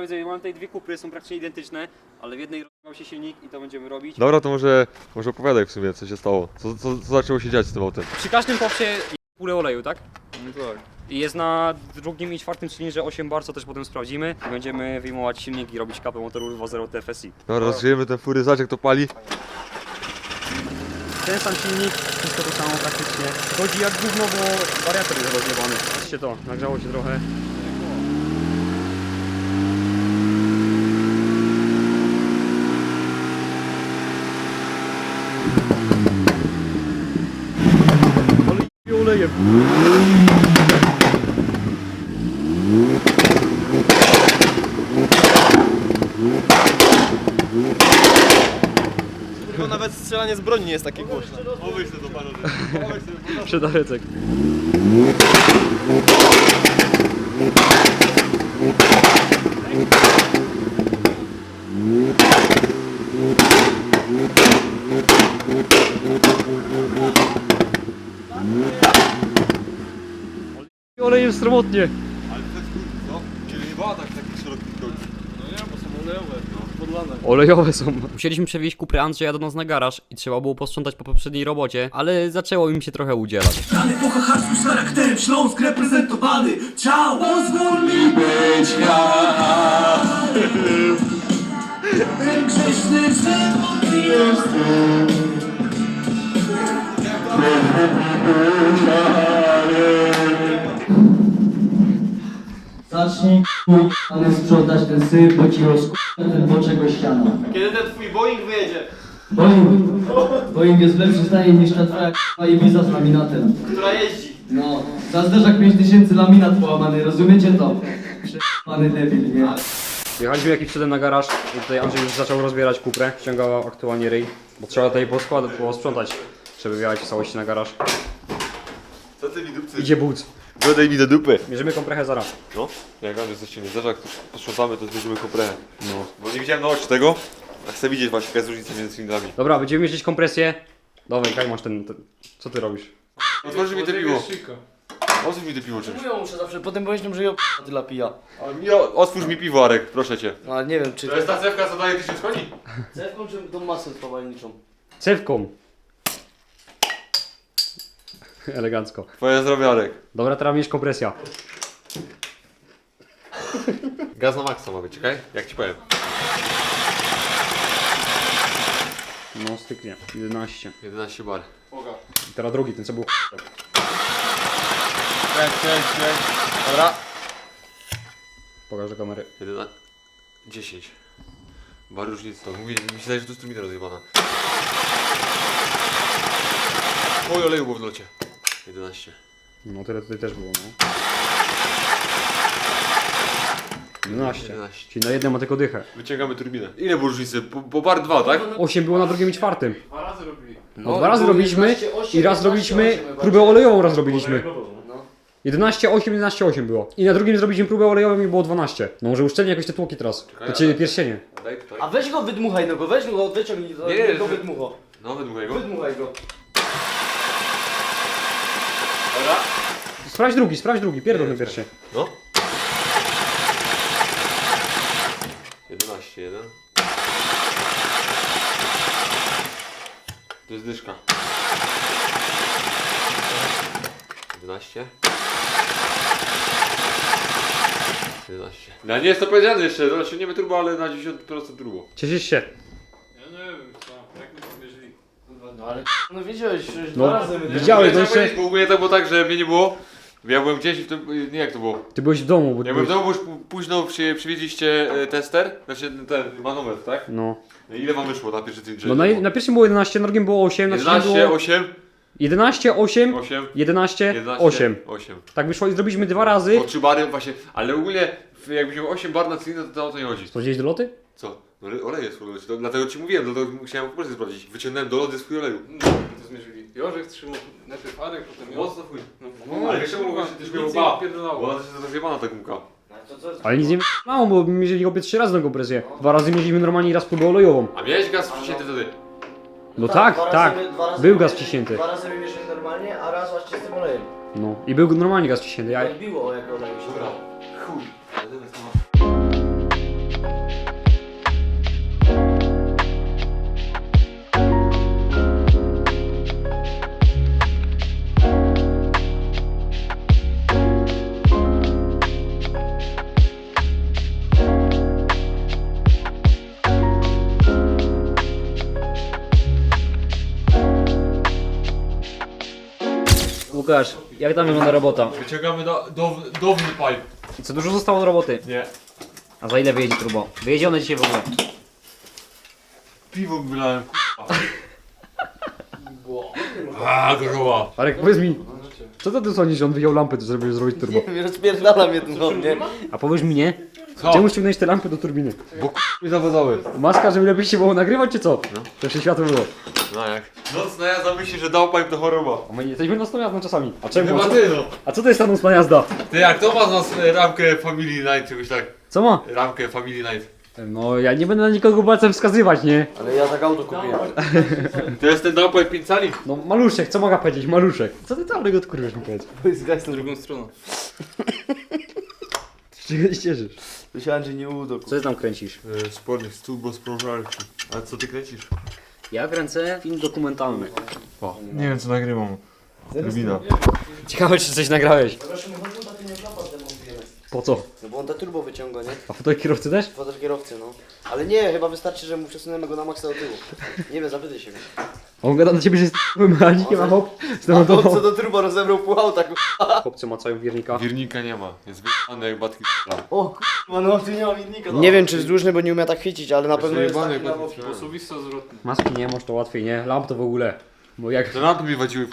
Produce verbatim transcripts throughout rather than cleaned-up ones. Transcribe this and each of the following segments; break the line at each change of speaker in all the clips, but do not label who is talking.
widzę, mam tutaj dwie kupry, są praktycznie identyczne, ale w jednej rozwiązał się silnik i to będziemy robić.
Dobra, to może, może opowiadaj w sumie, co się stało. Co, co, co zaczęło się dziać z tym autem?
Przy każdym popsie pulę oleju, tak?
No tak.
I jest na drugim i czwartym cylindrze osiem bar, co też potem sprawdzimy. I będziemy wyjmować silnik i robić kapę motoru dwa zero T F S I.
Dobra, rozgrzejemy ten fury, zobacz jak to pali.
Ten sam silnik, wszystko to samo praktycznie. Chodzi jak gówno, bo wariator jest rozjebany. Patrzcie to, nagrzało się trochę. Ale olejem.
Tylko nawet strzelanie z broni nie jest takie głośne.
Pomyśl to panowie.
Przedarecek. Olejem sromotnie.
Ale to jest co? Czyli nie była tak taki szeroki kończy.
No nie, bo są olejowe, no, podlane.
Olejowe są. Musieliśmy przewieźć kuprę Andrzeja do nas na garaż i trzeba było posprzątać po poprzedniej robocie, ale zaczęło im się trochę udzielać.
Dany po hachasku z charakterem Śląsk reprezentowany. Ciao, pozwól mi być ja. Ten grzeszny żywot jest
Zacznij k***a sprzątać ten syf, bo ci rozk***a ten boczek o ścianę.
Kiedy ten twój Boeing wyjedzie?
Boeing, Boeing jest w lepszym stanie niż ta twoja k***a Ibiza z laminatem.
Która jeździ.
No, za zderzak pięć tysięcy laminat połamany, rozumiecie to? Prze***any debil, nie?
Jechaliśmy jakiś przedem na garaż i tutaj Andrzej już zaczął rozbierać kuprę. Ściągał aktualnie ryj, bo trzeba tutaj poskładać, posprzątać, żeby wjechać w całości na garaż.
Co ty mi dupcy?
Idzie but.
Dodaj mi do dupy.
Mierzymy komprechę zaraz.
No, jak Andrzej coś nie zdarza, jak posprzątamy, to zbierzemy komprehę. No. Bo nie widziałem na oczy tego, a chcę widzieć właśnie jaka jest różnica między cylindrami.
Dobra, będziemy mierzyć kompresję. Dawaj, Kaj, masz ten, ten... Co ty robisz?
Otworzy mi te piwo. Otwórz mi te piwo czymś.
Mówią muszę zawsze, potem pomyślą, że ja p***a tyle pija.
Ale mi o- Otwórz mi piwo, Arek, proszę cię.
No ale nie wiem, czy...
To jest ta cewka, co daje tysiąc koni?
Cewką czy tą masę spawalniczą?
Cewką. Elegancko.
Twoje zdrowie, Arek.
Dobra, teraz mierz kompresja.
Gaz na maksa ma być, czekaj? Jak ci powiem.
No, styknie. jedenaście.
jedenaście bar.
I teraz drugi, ten co był.
Cześć, cześć, cześć. Dobra.
Pokaż do kamery.
jedenaście. dziesięć. Bar różnicy to. Mówię, mi się zdaje, że tu strumina rozjebana. Oj, oleju było w locie. jedenaście.
No, tyle tutaj też było, no. jedenaście.
jedenaście.
Czyli na jednym ma tylko dychę.
Wyciągamy turbinę. Ile było różnicy? Po, po bar dwa, tak?
osiem było na drugim i czwartym.
Dwa razy robili.
No, dwa razy robiliśmy i raz robiliśmy próbę olejową, raz robiliśmy. jedenaście osiem, jedenaście osiem było. I na drugim zrobiliśmy próbę olejową i było dwanaście. No może uszczelnie jakoś te tłoki teraz. To ciebie pierścienie.
Daj tutaj.
A weź go wydmuchaj, no go weź go, wyciągnij go,
Nie, nie,
go
że-
wydmucho.
No, wydmuchaj go.
Wydmuchaj go.
Dobra.
Sprawdź drugi, sprawdź drugi, pierdol ten pierścień.
No. jedenaście, jeden. To jest dyszka. jedenaście. jedenaście. No nie jest to powiedziane jeszcze, no osiągniemy turbo, ale na dziewięćdziesiąt procent turbo.
Cieszysz się.
Ja nie wiem, co, jak my to mierzyli.
No ale no wiedziałeś, że
No,
dwa razy my
widziałeś, to jeszcze...
Bo ogólnie to było tak, że mnie nie było. Ja byłem gdzieś i w tym, nie jak to było.
Ty byłeś w domu, bo ty
Ja byłem
byłeś...
w domu, bo już p- późno przy, przywieźliście e, tester, znaczy ten manometr, tak?
No.
No ile wam wyszło na pierwszy cylindrze?
No na, na pierwszym było jedenaście, na drugim było osiem, na trzecim
jedenaście,
było...
osiem,
jedenaście, osiem,
osiem,
jedenaście,
jedenaście,
osiem.
osiem.
Tak wyszło i zrobiliśmy dwa razy.
Po trzy bary właśnie, ale ogólnie w- jakbyś miał osiem bar na cylindrze, to o to nie chodzi.
Sprawdziłeś do loty?
Co? No ale olej jest w to dlatego ci mówiłem, dlatego musiałem po prostu sprawdzić. Wyciągnąłem do lody swój oleju.
No, to zmierzyli. Jorzek trzymał najpierw Arek, potem ja.
Mocno chuj.
No,
ale jeszcze mogło się też miało
nic
ba.
nie
Bo
odpierdolało.
ona też jest rozjebana ta gumka.
Ale nic nie mało, bo mierzyli obie trzy razy na kompresję. Dwa razy mieliśmy normalnie i raz próbę olejową.
A miałeś gaz wciśnięty wtedy?
No tak,
dwa
tak.
razy my- dwa razy
Był
my
gaz
mierzyli-
wciśnięty.
Dwa razy wymierzyli normalnie, a raz właśnie z tym olejem.
No. I był normalnie gaz wciśnięty. Ja...
Odbiło jak olej się
Dobra.
brał.
Chuj. Ale teraz to ma-
Łukasz, jak tam wygląda robota?
Wyciągamy do, do, downy pipe.
Co dużo zostało do roboty?
Nie.
A za ile wyjedzie turbo? Wyjedzie one dzisiaj w ogóle.
Piwo wylałem, Aaa, gorzoła.
Arek, powiedz mi, co to ty sądzisz, że on wyjął lampy, żeby zrobić turbo?
Rozpierdala mnie ten od mnie.
A powiedz mi nie?
Co?
Czemu ściągnąłeś te lampy do turbiny?
Bo k*** mi zawodały.
Maska, żeby lepiej się było nagrywać, czy co? No. To jeszcze światło było.
No jak? Nocna jazda myśli, że dał pipe to choroba.
A my nie jesteśmy nocną jazdą czasami. A czemu?
Chyba
A co,
ty no.
a co to jest ta nocna jazda?
Ty jak to ma z nas e, ramkę Family Night, czegoś tak?
Co ma?
Ramkę Family Night.
No ja nie będę na nikogo palcem wskazywać, nie?
Ale ja tak auto kupiłem.
To jest ten downpipe pięć cali?
No maluszek, co mogę powiedzieć? Maluszek. Co ty tam go odkurwiesz mi powiedz?
Zgaś na drugą stronę.
Z czego się cieszysz?
Myślałem, że nie udo.
Co ty tam kręcisz?
E, spodnie z turbo sprążarki. A co ty kręcisz?
Ja kręcę film dokumentalny.
O, nie wiem co nagrywam. Rubina.
Ciekawe czy coś nagrałeś. Po co?
No bo on ta turbo wyciąga, nie?
A fotel kierowcy też?
Fotel kierowcy, no. Ale nie, chyba wystarczy, że mu przesunęmy go na maksa do tyłu. Nie wiem, zapytaj się go.
On gada na ciebie, że jest mechanikiem, a hop, z
A
tą
to co do turbo rozebrał pół auta, ku...
Chłopcy macają wiernika.
Wirnika nie ma. Jest wyjebany jak batki.
O kurwa, no tu nie ma winnika. Nie wiem czy wzdłużny, bo nie umie tak chycić, ale na pewno jest
Wyjebany
taki
jak
na
batki.
Osobista zwrotna.
Maski nie, może to łatwiej, nie? Lamp to w ogóle. Bo jak...
Te lampy mi wadziły.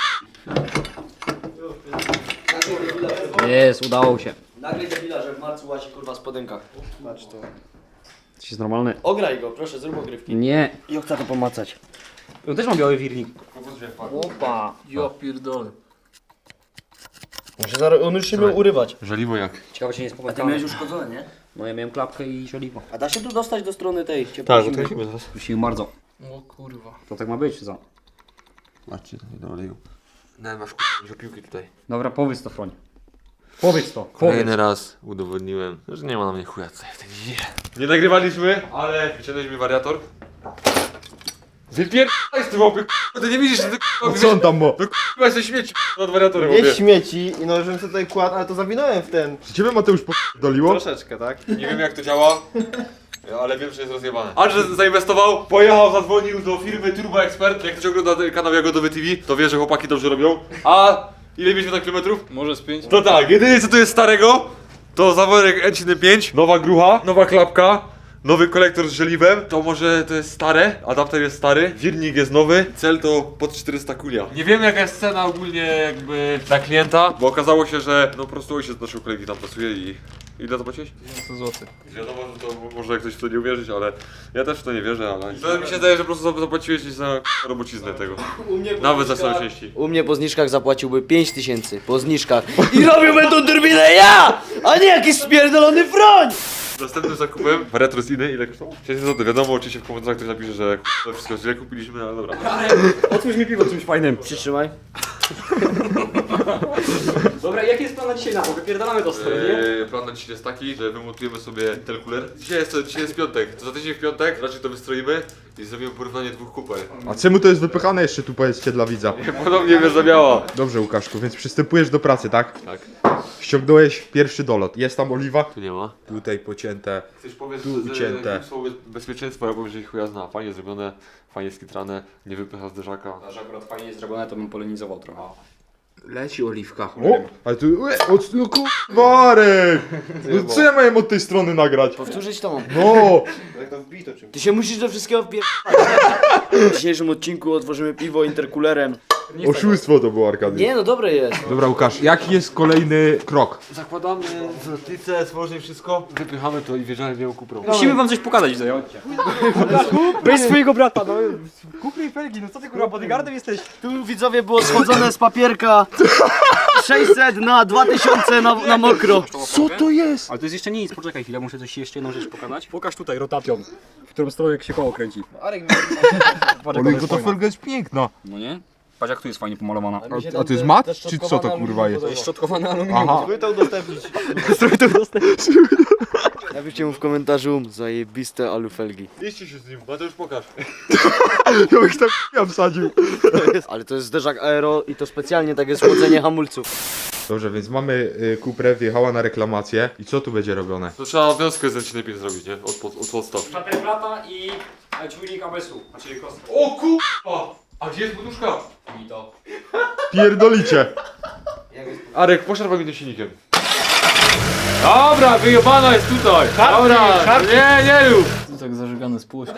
Jest, udało się.
Nagle debila, że w marcu łazi kurwa w spodenkach. Patrz to.
Jesteś normalny.
Ograj go, proszę, zrób ogrywki.
Nie.
I chcę to pomacać.
On też ma biały wirnik. Opa.
Ja pierdolę.
On, się zaraz, on już się miał urywać.
Żeliwo jak?
Ciekawe czy nie jest
A ty
popętane.
miałeś uszkodzone, nie?
No ja miałem klapkę i żeliwo.
A da się tu dostać do strony tej?
Tak,
ciepłej,
to
zimnej?
zaraz.
Prosimy bardzo.
O kurwa.
To tak ma być, czy co?
Patrzcie, to nie doleju. No masz k***a piłki tutaj.
Dobra, powiedz to, Froń. Powiedz to, powiedz.
Kolejny raz udowodniłem, że nie ma na mnie chuja co ja w tej dzieje. Nie nagrywaliśmy, ale wyciągnęliśmy wariator. Wypierdaj z tym opy, k***a, ty nie widzisz, że ty k***a,
Co on tam ma?
to k***a jesteś śmieci nad wariatorem,
Nie
opie.
śmieci i no, żebym sobie tutaj kładł, ale to zawinąłem w ten. Czy ciebie Mateusz podoliło? Troszeczkę, tak?
Nie wiem jak to działa, ale wiem, że jest rozjebane. Andrzej zainwestował, pojechał, zadzwonił do firmy Turbo Expert. Jak ktoś ogląda kanał Jagodowy T V, to wie, że chłopaki dobrze robią. A ile mieliśmy na kilometrów?
Może z pięć?
To tak, jedynie co tu jest starego, to zaworek N siedemdziesiąt pięć, nowa grucha, nowa klapka, nowy kolektor z żeliwem. To może to jest stare, adapter jest stary, wirnik jest nowy, cel to pod czterysta kulia. Nie wiem jaka jest cena ogólnie jakby dla klienta, bo okazało się, że no po prostu ojciec naszego kolegi tam pracuje i... Ile zapłaciłeś?
sto złotych.
Wiadomo, że to może ktoś w to nie uwierzyć, ale ja też w to nie wierzę, ale... To mi się zdaje, że po prostu zapłaciłeś za robociznę tego. Nawet za całe części.
U mnie po zniżkach zapłaciłby pięć tysięcy. Po zniżkach. I robiłby tą turbinę ja! A nie jakiś spierdolony froń!
Następnym zakupem, wariator z innej, ile kosztował? sześćset złotych. Wiadomo, oczywiście w komentarzach ktoś napisze, że to wszystko źle kupiliśmy, ale dobra.
Otwórz mi piwo czymś fajnym.
Przytrzymaj.
Dobra, jaki jest plan na dzisiaj na to? Wypierdalamy to stronę, nie?
Eee, plan na dzisiaj jest taki, że wymontujemy sobie telkuler. Dzisiaj jest, dzisiaj jest piątek, to za tydzień w piątek raczej to wystroimy i zrobimy porównanie dwóch kuper.
A czemu to jest wypychane jeszcze tu powiedzcie dla widza?
Podobnie mnie zabiała.
Dobrze Łukaszku, więc przystępujesz do pracy, tak?
Tak,
Ściągnąłeś pierwszy dolot. Jest tam oliwa?
tu nie ma.
Tutaj pocięte.
Chcesz powiedz,
Tu
że
ucięte.
słowo bezpieczeństwa, ja powiem, że ich chuja zna. Fajnie zrobione, fajnie skitrane, nie wypycha zderzaka.
Że akurat fajnie jest zrobione, to bym polenizował trochę.
Leci oliwka.
O! Ale tu... Ue, o, no kurwarek! No co ja miałem od tej strony nagrać?
Powtórzyć to mam.
No!
Ty się musisz do wszystkiego wpier... W dzisiejszym odcinku otworzymy piwo interkulerem.
Oszustwo to było, Arkadiusz.
Nie no, dobre jest.
Dobra Łukasz, jaki jest kolejny krok?
Zakładamy zwrotnicę, złożymy wszystko, wypychamy to i wjeżdżamy w nią kuprą.
Musimy wam coś pokazać tutaj, chodźcie. Weź swojego brata, no. Kupry felgi, no co ty kurwa, bodyguardem jesteś?
Tu widzowie było schodzone z papierka sześćset na dwa tysiące na, na mokro.
Co to jest?
Ale to jest jeszcze nic, poczekaj chwilę, muszę coś jeszcze jedną rzecz pokazać. Pokaż tutaj rotacją, w którą stronę się koło kręci.
Ale to felga jest piękna.
No nie? Patrz jak tu jest fajnie pomalowana.
A, a to jest mat? Czy co to kurwa jest?
To jest szczotkowane aluminium.
Aha.
Napiszcie mu w komentarzu zajebiste alufelgi.
Liście się z nim, Mateusz pokaż.
Ja bych tam ja wsadził.
Ale to jest zderzak aero i to specjalnie takie schłodzenie hamulców.
Dobrze, więc mamy y, Kuprę, wjechała na reklamację. I co tu będzie robione?
To trzeba wiązkę z N siedemdziesiąt pięć zrobić, nie? Od, pod, od podstaw.
Szatelek plata i czujnik A B S-u, znaczy kostka.
O kurwa! A gdzie jest poduszka?
I to.
Pierdolicie!
Arek, poszarpaj mi tym silnikiem. Dobra, wyjebana jest tutaj. Dobra, nie, nie rób.
To tak zażegane z płości.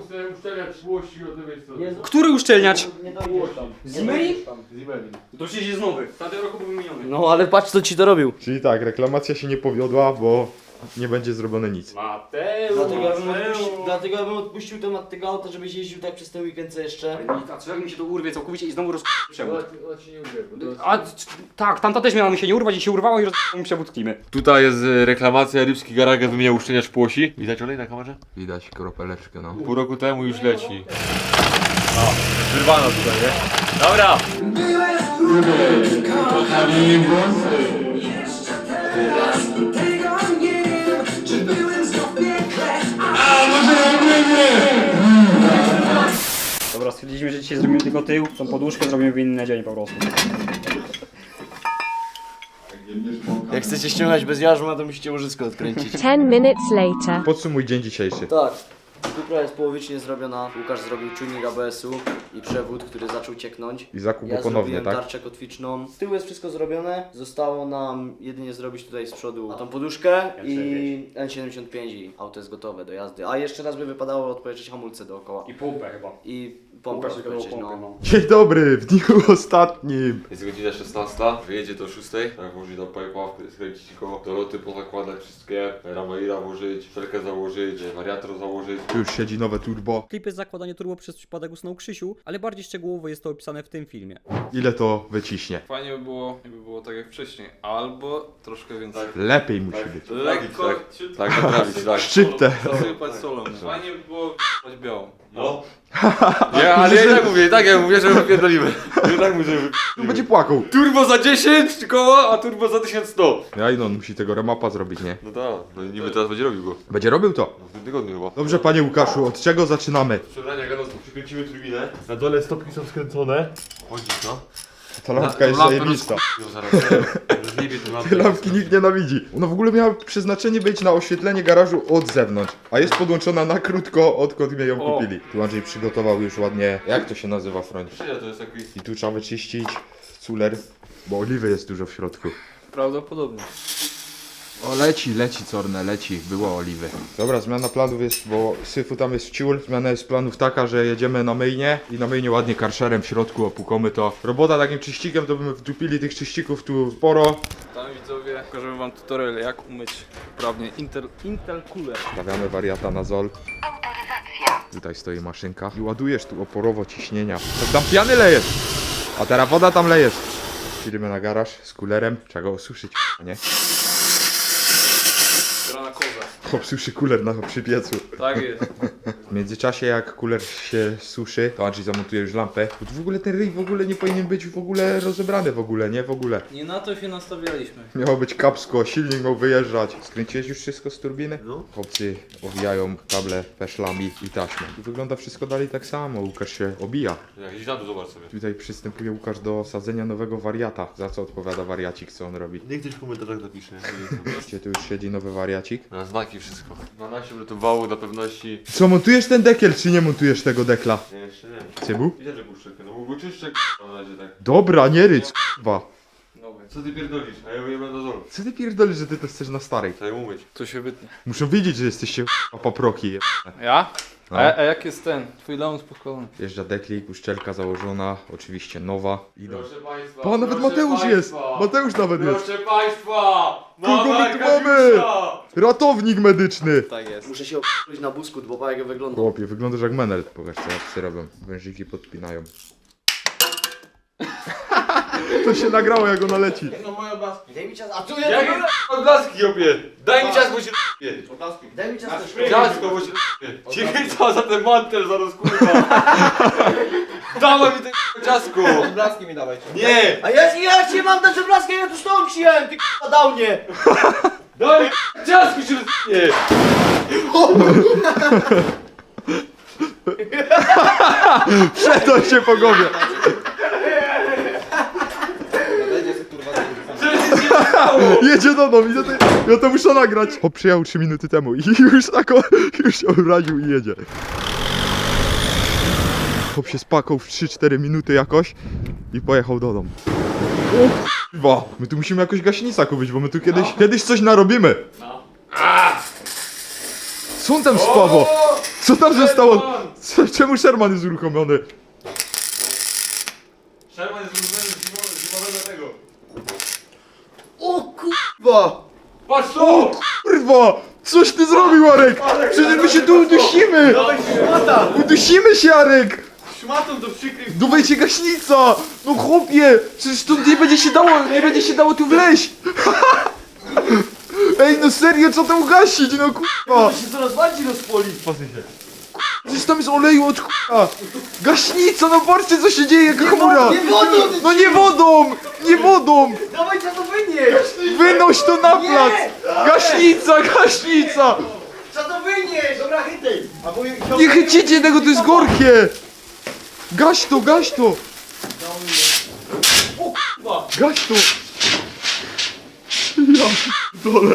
Który uszczelniać?
Nie dojdziesz tam.
Zimeli? To przecież jest nowy. W tamtym roku był wymieniony.
No ale patrz co ci to robił.
Czyli tak, reklamacja się nie powiodła, bo nie będzie zrobione nic.
Mateusz,
Dlatego ja bym odpuścił, dlatego ja bym odpuścił temat tego auta, żebyś jeździł tak przez ten weekend co jeszcze.
A co jak mi się to urwie całkowicie i znowu roz... przewód? A c- tak, tamta też miała mi się nie urwać i się urwało i roz... mi przewód klimy.
Tutaj jest e, reklamacja, Rybski Garaga wymienia uszczelniacz płosi. Widać olej na kamerze?
Widać kropeleczkę, no.
Pół roku temu już leci. O, wyrwana tutaj, nie? Dobra!
Byłeś trudny, kochani włosy. Jeszcze teraz tego nie wiem, czy byłem znów w piekle. A może nie.
Dobra, stwierdziliśmy, że dzisiaj zrobimy tylko tył, tą poduszkę zrobimy w inny dzień po prostu.
Jak chcecie ściągać bez jarzma, to musicie łożysko odkręcić.
Ten minutes later.
Podsumuj dzień dzisiejszy.
Tak. Kupra jest połowicznie zrobiona. Łukasz zrobił czujnik A B S-u i przewód, który zaczął cieknąć.
I zakup
Ja
ponownie,
zrobiłem
tak?
tarczę kotwiczną. Z tyłu jest wszystko zrobione. Zostało nam jedynie zrobić tutaj z przodu tą poduszkę i N siedemdziesiąt pięć i auto jest gotowe do jazdy. A jeszcze raz by wypadało odpowiedzieć hamulce dookoła.
I pompę chyba.
I pompę odpowiedzieć, no.
Dzień dobry, w dniu ostatnim.
Jest godzina szesnasta, wyjedzie do szóstej. Tak, włożyć do pipa, skręcić go, do loty pozakładać wszystkie, ramaira włożyć, felkę założyć, wariator założyć.
Tu już siedzi nowe turbo.
Klipy zakładanie turbo przez przypadek usnął Krzysiu, ale bardziej szczegółowo jest to opisane w tym filmie.
Ile to wyciśnie?
Fajnie by było, jakby było tak jak wcześniej, albo troszkę więcej.
Lepiej musi być.
Lekko,
Tak,
ciut-
tak, naprawić, tak.
Szczyptę.
zasypać solą. Fajnie by było k***ać białą.
No. Nie, ale ja i tak mówię, i tak ja mówię, że wypierdolimy. I tak mówię, że wy...
Będzie płakał.
Turbo za dziesięć koła, a turbo za tysiąc sto.
Ja i no, on musi tego remapa zrobić, nie?
No tak, no i niby teraz będzie robił go.
Będzie robił to.
No w tym tygodniu chyba.
Dobrze, panie Łukaszu, od czego zaczynamy?
Przebrania gadowców, przykręcimy turbinę. Na dole stopki są skręcone. Chodzi to.
Ta lampka jest zajebista.
No zaraz, zaraz. Zniebie tę lampę.
Te lampki nikt nienawidzi. Ona w ogóle miała przeznaczenie być na oświetlenie garażu od zewnątrz, a jest podłączona na krótko, odkąd mnie ją
O.
kupili. Tu Andrzej przygotował już ładnie, jak to się nazywa, Froń?
Czyja to jest taki...
I tu trzeba wyczyścić culer, bo oliwy jest dużo w środku.
Prawdopodobnie.
O, leci, leci Corne, leci, było oliwy. Dobra, zmiana planów jest, bo syfu tam jest ciul. Zmiana jest planów taka, że jedziemy na myjnie i na myjnie ładnie karszerem w środku opłukamy to. Robota takim czyścikiem, to byśmy wdupili tych czyścików tu sporo.
Tam widzowie, pokażemy wam tutorial jak umyć poprawnie Intel, Intel Cooler.
Stawiamy wariata na zol. Tutaj stoi maszynka i ładujesz tu oporowo ciśnienia. To tam piany lejesz, a teraz woda tam lejesz. Idziemy na garaż z kulerem, trzeba go osuszyć, nie?
Gra na kozę.
Chłop suszy kuler na przy piecu.
Tak jest.
W międzyczasie jak kuler się suszy, to Andrzej zamontuje już lampę. Bo tu w ogóle ten ryj w ogóle nie powinien być w ogóle rozebrany w ogóle, nie? W ogóle.
Nie na to się nastawialiśmy.
Miało być kapsko, silnik miał wyjeżdżać. Skręciłeś już wszystko z turbiny?
No.
Chłopcy owijają kable peszlami i taśmą. Tu wygląda wszystko dalej tak samo, Łukasz się obija.
Jakiś na dół, zobacz sobie.
Tutaj przystępuje Łukasz do sadzenia nowego wariata. Za co odpowiada wariacik, co on robi?
Niech ktoś w komentarzach napisze.
Gdzie tu już siedzi nowy wariacik?
Na znaki wszystko. dwanaście metrów wału dla pewności.
Co, montujesz ten dekiel, czy nie montujesz tego dekla?
Nie, jeszcze nie.
Cybu?
Widzę, że puszczę. No bo czyszczę na razie tak.
Dobra, nie ryć, k***wa.
Nowy.
Co ty pierdolisz? A ja wyjebę do zoru.
Co ty pierdolisz, że ty to chcesz na starej?
Trzeba ją umyć.
To się wytnie.
Muszą wiedzieć, że jesteście k***a paproki. je-
Ja?
No.
A, a jak jest ten? Twój lounge pokolony.
Jeżdża deklik, uszczelka założona, oczywiście nowa. Idą.
Proszę państwa.
Pa, nawet
proszę
Mateusz
państwa.
jest! Mateusz nawet jest!
Proszę państwa!
Kogo my
Mama
tu mamy?
Arkadiusza!
Ratownik medyczny!
Tak jest.
Muszę się o***ć na busku, bo pa jak wygląda.
Chłopie, wyglądasz jak menel. Pokaż co jak psy robią. Wężyki podpinają. To się nagrało jak ona leci.
Daj mi czas, a tu
Jakie
ja
odblaski jopie? Daj mi czas, bo się r***ie.
Daj mi czas też.
Ciasko, bo się r***ie. Ciebie co za ten mantel zaraz kurwa. Dawaj mi te ciasko.
Blaski mi dawaj.
Nie!
A ja, ja ci mam dać obrazkę, ja tu stąd przyjąłem, ty k***a dał mnie.
Daj ciasko się r***ie.
Przeto się po głowie. Jedzie do domu i ja to, ja to muszę nagrać. Chłop przyjechał trzy minuty temu i już tak o, już się obraził i jedzie. Chłop się spakał w trzy cztery minuty jakoś i pojechał do domu. Kurwa, my tu musimy jakoś gaśnica kupić, bo my tu kiedyś, kiedyś coś narobimy. Co on tam spało? Co tam zostało? Co, czemu Sherman jest uruchomiony?
Sherman jest zrozumiany z zimowego tego.
O kurwa!
Patrz
O
to!
kurwa! Coś ty zrobił, Arek! Przecież my się tu udusimy! Udusimy się, Arek!
Szmatą to przykryj.
Dawajcie gaśnica! No chłopie! Przecież tu nie będzie się dało, nie będzie się dało tu wleźć! Ej, no serio, co tam gasić, no kurwa!
się coraz bardziej rozpoli.
Przecież tam jest oleju od chuja! Gaśnica, no patrzcie co się dzieje, jaka chmura!
Nie wodą!
No nie wodą! Nie wodą!
Dawaj, trzeba to wynieść!
Wynoś to na plac! Gaśnica, gaśnica!
Trzeba to wynieść! Dobra, chytaj!
Nie chycicie tego, to jest gorkie! Gaś to, gaś to! Gaś to! Ja dole.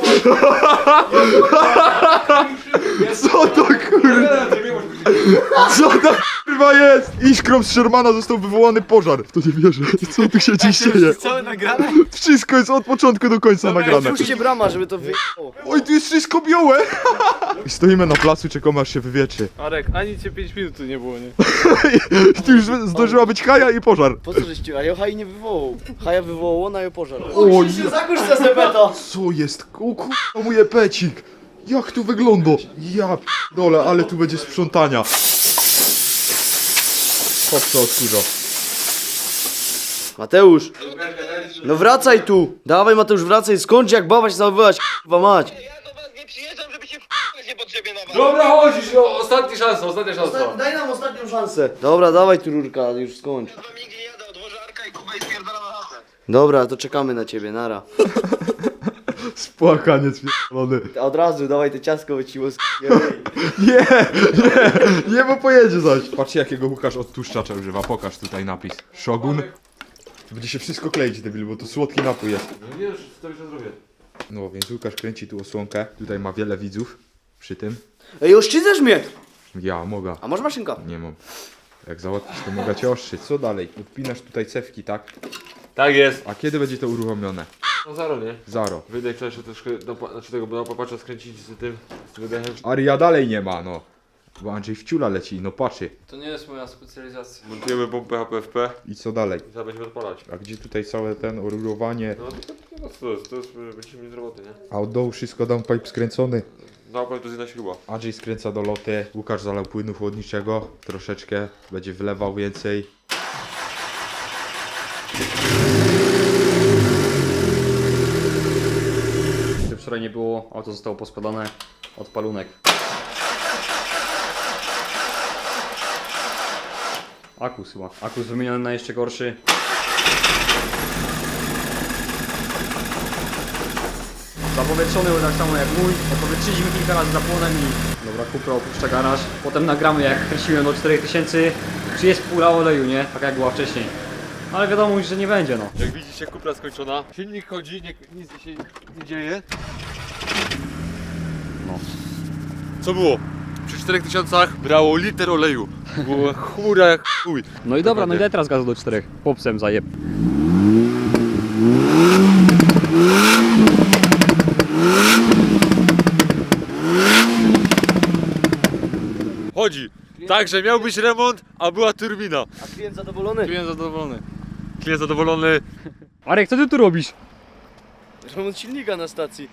Co to kurwa? Co to kurwa jest? Iskrą z Shermana został wywołany pożar. W to nie wierzę. Co tu się dziś dzieje?
Całe nagrane?
Wszystko jest od początku do końca nagrane.
Puśćcie brama, żeby to wyjechało.
Oj, tu jest wszystko białe! I stoimy na placu, czekamy aż się wywietrzy.
Arek, ani cię pięć minut tu nie było, nie?
I tu już zdążyła być haja i pożar.
Po co żeście? A ja Haj nie wywołał. Haja wywołało, na pożar.
O,
O, się zakurz za sepeto!
Co jest? O kurwa, mój epecik! Jak tu wygląda? Ja dole, ale tu będzie sprzątania. Hop, co odkurza.
Mateusz! No wracaj tu! Dawaj Mateusz, wracaj, skończ jak baba się zachowywać, k***wa mać!
Ja do was nie przyjeżdżam, żeby się f***ać niepotrzebnie na was.
Dobra, chodzisz, no, ostatnia szansa, ostatnia szansa.
Daj nam ostatnią szansę. Dobra, dawaj tu rurka, już skończ.
Ja wam nigdzie nie jadę, odłożę Arka i Kuba i spierdalam na chatę.
Dobra, to czekamy na ciebie, nara.
Spłakaniec pierdolony.
A od razu dawaj te ciastko wyciło z
Nie, nie, nie, bo pojedzie zaś. Patrzcie jakiego Łukasz odtłuszczacza używa, pokaż tutaj napis. Shogun. Będzie się wszystko kleić, debil, bo to słodki napój jest.
No nie, już to już zrobię.
No, więc Łukasz kręci tu osłonkę. Tutaj ma wiele widzów przy tym.
Ej, oszczycasz mnie!
Ja mogę.
A masz maszynka?
Nie mam. Jak załatwisz, to mogę cię ostrzyć. Co dalej? Odpinasz tutaj cewki, tak?
Tak jest.
A kiedy będzie to uruchomione?
No zaro, nie?
Zaro.
Wyjdę wczoraj jeszcze troszkę, do, pa- znaczy tego, bo popatrzę skręcić z tym, z tym dechem.
Aria dalej nie ma, no. Bo Andrzej wciula leci, no patrzy.
To nie jest moja specjalizacja.
Montujemy pompę H P F P
I co dalej?
i zaraz będziemy odpalać.
A gdzie tutaj całe ten orurowanie?
No to, to, to, to jest, to jest, będziemy mieli roboty, nie?
A od dołu wszystko downpipe skręcony.
No, ale to jest jedna śruba.
Andrzej skręca do loty. Łukasz zalał płynu chłodniczego. Troszeczkę. Będzie wlewał więcej.
Gdy wczoraj nie było, auto zostało poskładane od palunek. Akus chyba. Akus wymieniony na jeszcze gorszy. Zapowietrzony był tak samo jak mój. Opowietrzyliśmy kilka razy zapłonem i... Dobra, Kupra opuszcza garaż. Potem nagramy jak kręciłem do czterech tysięcy. Czy jest pula oleju, nie? Tak jak była wcześniej. Ale wiadomo już, że nie będzie, no.
Jak widzicie, kupra skończona. Silnik chodzi, nie, nic się nie dzieje.
No.
Co było? Przy czterech tysiącach brało liter oleju. Było chmura jak chuj.
No i dobra, no i daj teraz gazu do czterech. Popsem zajeb.
Chodzi. Także miał być remont, a była turbina.
A klient zadowolony?
Byłem zadowolony.
Klient zadowolony.
Arek, co ty tu robisz?
Remont silnika na stacji.